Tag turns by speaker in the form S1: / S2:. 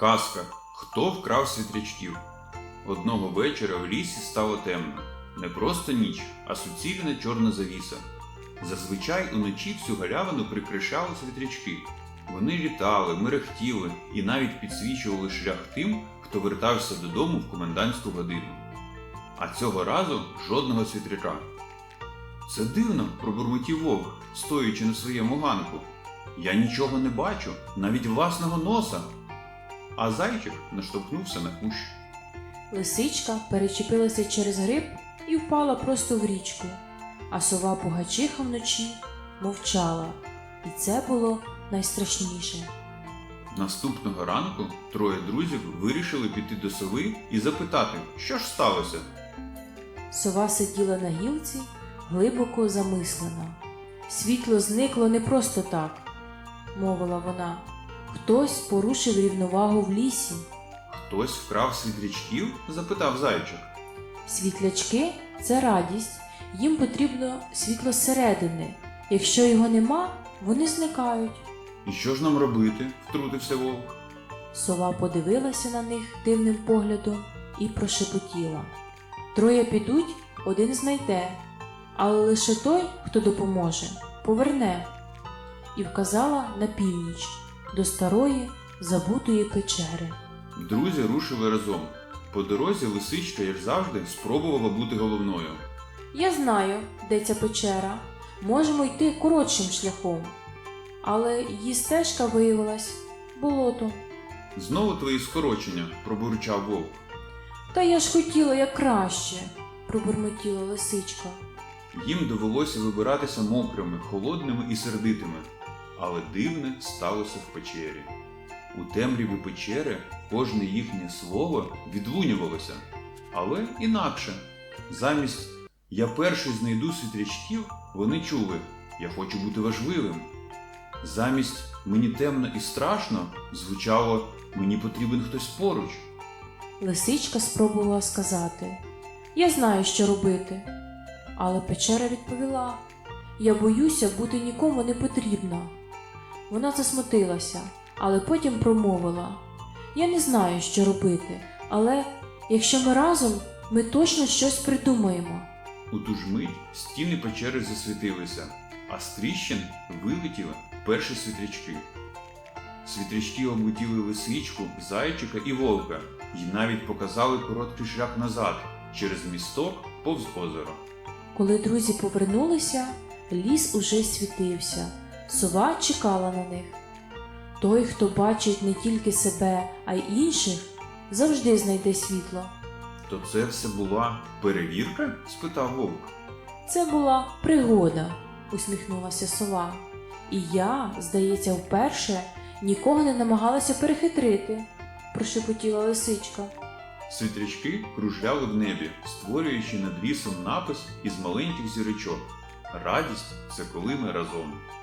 S1: Казка «Хто вкрав світрячків?» Одного вечора в лісі стало темно. Не просто ніч, а суцільна чорна завіса. Зазвичай уночі всю галявину прикрашали світрячки. Вони літали, мерехтіли і навіть підсвічували шлях тим, хто вертався додому в комендантську годину. А цього разу жодного світряка. «Це дивно», – пробурмотів вовк, стоячи на своєму ганку. «Я нічого не бачу, навіть власного носа». А зайчик наштовхнувся на кущ.
S2: Лисичка перечепилася через гриб і впала просто в річку, а сова Пугачиха вночі мовчала, і це було найстрашніше.
S1: Наступного ранку троє друзів вирішили піти до сови і запитати, що ж сталося.
S2: Сова сиділа на гілці, глибоко замислена. «Світло зникло не просто так», – мовила вона. «Хтось порушив рівновагу в лісі».
S1: «Хтось вкрав світрячків?» – запитав зайчик.
S2: «Світлячки – це радість, їм потрібно світло зсередини. Якщо його нема, вони зникають».
S1: «І що ж нам робити?» – втрутився вовк.
S2: Сова подивилася на них дивним поглядом і прошепотіла. «Троє підуть, один знайде, але лише той, хто допоможе, поверне». І вказала на північ, до старої забутої печери.
S1: Друзі рушили разом. По дорозі лисичка, як завжди, спробувала бути головною.
S2: «Я знаю, де ця печера. Можемо йти коротшим шляхом». Але її стежка виявилась болотом.
S1: «Знову твої скорочення», – пробурчав вовк.
S2: «Та я ж хотіла як краще», – пробурмотіла лисичка.
S1: Їм довелося вибиратися мокрими, холодними і сердитими. Але дивне сталося в печері. У темряві печери кожне їхнє слово відлунювалося. Але інакше. Замість «я перший знайду світрячків» вони чули «я хочу бути важливим». Замість «мені темно і страшно» звучало «мені потрібен хтось поруч».
S2: Лисичка спробувала сказати «я знаю, що робити». Але печера відповіла «я боюся бути нікому не потрібна». Вона засмутилася, але потім промовила «я не знаю, що робити, але якщо ми разом, ми точно щось придумаємо».
S1: У ту ж мить стіни печери засвітилися, а з тріщин вилетіли перші світрячки. Світрячки облетіли лисичку, зайчика і вовка і навіть показали короткий шлях назад, через місток повз озеро.
S2: Коли друзі повернулися, ліс уже світився. Сова чекала на них. Той, хто бачить не тільки себе, а й інших, завжди знайде світло.
S1: «То це все була перевірка?» – спитав вовк.
S2: «Це була пригода», – усміхнулася сова. «І я, здається, вперше нікого не намагалася перехитрити», – прошепотіла лисичка.
S1: Світрячки кружляли в небі, створюючи над лісом напис із маленьких зірочок. «Радість – це коли ми разом».